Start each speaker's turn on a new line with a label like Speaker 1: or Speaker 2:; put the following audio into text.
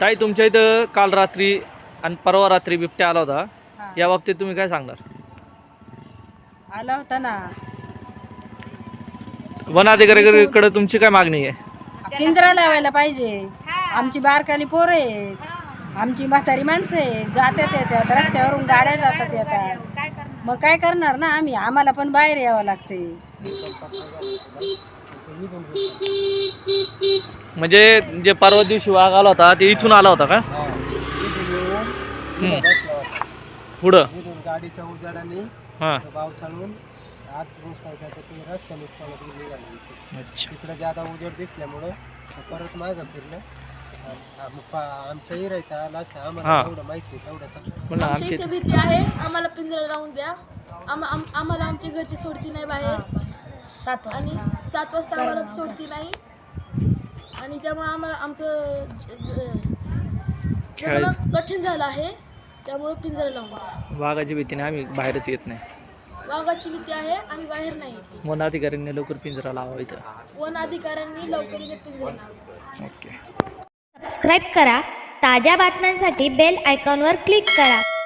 Speaker 1: ताई तुमच्या इथं काल रात्री आणि परवा रात्री बिबट्या आला होता, या बाबतीत तुम्ही काय सांगणार?
Speaker 2: आला होता ना.
Speaker 1: वन अधिकाऱ्याकडे तुमची काय मागणी आहे?
Speaker 2: पिंजरा लावायला पाहिजे. आमची बारकाली पोरं आहेत, आमची म्हातारी माणसं आहेत, जातात येतात रस्त्यावरून गाड्या जातात येतात, मग काय करणार ना आम्ही, आम्हाला पण बाहेर यावं लागते.
Speaker 1: म्हणजे जे परवा दिवशी वाघ आला होता ते इथून आला होता का? पुढं
Speaker 3: गाडीच्या उजाडाने
Speaker 1: हां
Speaker 3: पावसाळून आत रस्त्याने निघाले. तिकडे ज्यादा उजेड दिसल्यामुळं परत मागं फिरलं. आमच्या इरायचा आला आम्हाला एवढं माहिती तेवढं
Speaker 4: आमची इथे भीती आहे, आम्हाला पिंजरा लावून द्या. आम्हाला आमची घरची सोडती नाही बाहेर. 7 वाजता आम्हाला सोडती नाही आणि त्यामुळे आम्हाला आमचं जगणं कठीण झालं आहे. त्यामुळे पिंजरा लावून द्या.
Speaker 1: वाघाची भीतीने आम्ही बाहेरच येत नाही.
Speaker 4: वाघाची भीती आहे आणि बाहेर नाही येते.
Speaker 1: वन अधिकाऱ्यांनी लवकर पिंजरा लावा इथं.
Speaker 4: वन अधिकाऱ्यांनी लवकर इथे पिंजरा लावा.
Speaker 1: ओके.
Speaker 5: सबस्क्राईब करा. ताज्या बातम्यांसाठी बेल आयकॉनवर क्लिक करा.